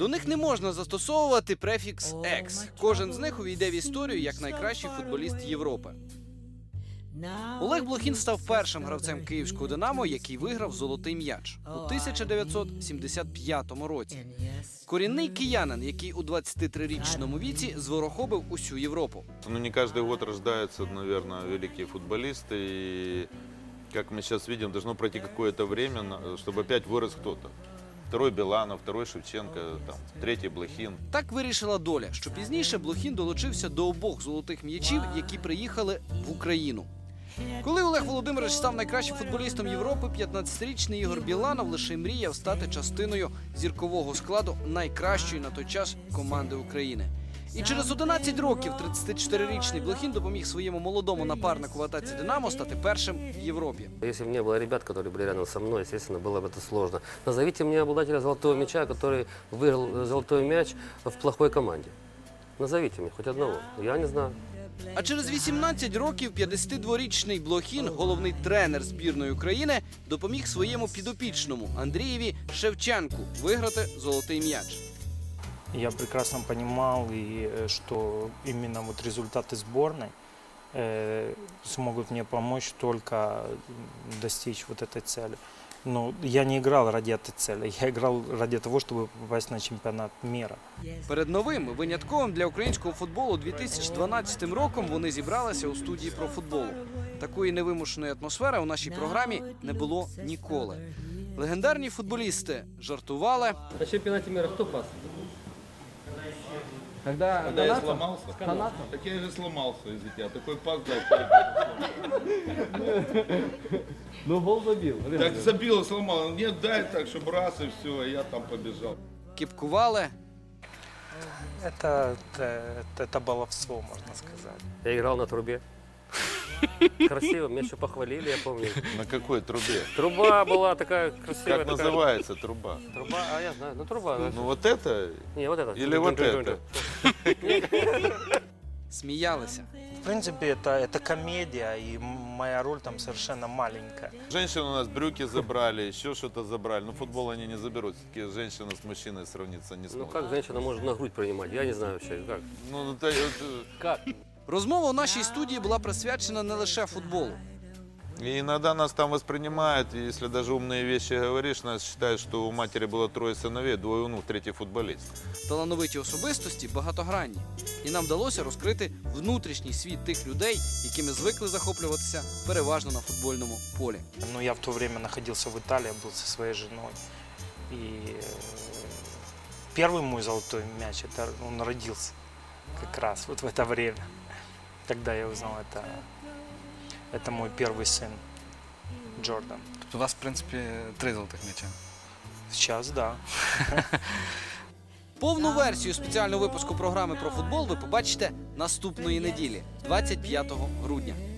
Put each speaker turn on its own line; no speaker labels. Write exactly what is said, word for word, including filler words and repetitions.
До них не можна застосовувати префікс «екс». Кожен з них увійде в історію як найкращий футболіст Європи. Олег Блохін став першим гравцем київського «Динамо», який виграв «Золотий м'яч» у тисяча дев'ятсот сімдесят п'ятому році. Корінний киянин, який у двадцятитрирічному віці зворохобив усю Європу.
Ну, не каждый год рождаются, наверное, великие футболисты. И, как мы сейчас видим, должно пройти какое-то время, чтобы опять вырос кто-то. Второй Біланов, второй Шевченко, там, третій Блохін.
Так вирішила доля, що пізніше Блохін долучився до обох золотих м'ячів, які приїхали в Україну. Коли Олег Володимирович став найкращим футболістом Європи, п'ятнадцятирічний Ігор Біланов лише мріяв стати частиною зіркового складу найкращої на той час команди України. І через одинадцять років тридцятичотирирічний Блохін допоміг своєму молодому напарнику в атаці «Динамо» стати першим в Європі.
Если бы не было ребят, которые были рядом со мной, естественно, было бы это сложно. Назовите мне обладателя золотого мяча, который выиграл золотой мяч в плохой команде. Назовите мне хоть одного. Я не знаю.
А через вісімнадцять років п'ятдесятидворічний Блохін, головний тренер збірної України, допоміг своєму підопічному Андрієві Шевченку виграти золотий м'яч.
Я прекрасно понимал, и, э, что именно вот результаты сборной э, смогут мне помочь только достичь вот этой цели. Но я не играл ради этой цели, я играл ради того, чтобы попасть на чемпионат мира.
Перед новим, винятковим для українського футболу дві тисячі дванадцятим роком вони зібралися у студії про футболу. Такої невимушеної атмосфери у нашій програмі не було ніколи. Легендарні футболісти жартували.
На чемпионате мира кто пас?
Когда,
Когда я сломался?
Канатом?
Так я же сломался, извините, а такой пас дал.
Ну, гол забил.
Так забил, сломал. Нет, дай так, чтобы раз и все, я там побежал.
Кіпкували.
Это, это, это баловство, можно сказать.
Я играл на трубе. Красиво, меня еще похвалили, я помню.
На какой трубе?
Труба была такая красивая.
Как
такая...
называется труба?
Труба, а я знаю, ну труба.
Ну вот это
Не, вот это.
или вот это?
Сміялися.
В принципе, это, это комедия, и моя роль там совершенно маленькая.
Женщины у нас брюки забрали, еще что-то забрали. Ну футбол они не заберут. Все-таки женщина с мужчиной сравниться не
Ну
сможет.
как женщина может на грудь принимать? Я не знаю вообще, как.
Ну, это, это-
Как?
Розмова у нашій студії була присвячена не лише футболу.
И иногда нас там воспринимают, и если даже умные вещи говоришь, нас считают, что у матери было трое сыновей, двое внук, третий футболист.
Талановиті особистості багатогранні. І нам вдалося розкрити внутрішній світ тих людей, якими звикли захоплюватися переважно на футбольному полі.
Но я в то время находился в Италии, был со своей женой. И э, первый мой золотой мяч, это он родился как раз вот в это время. Когда я узнал, это, это мой первый сын, Джордан.
У вас, в принципі, три золотих м'яча.
Сейчас, да.
Повну версію спеціального випуску програми про футбол ви побачите наступної неділі, двадцять п'ятого грудня.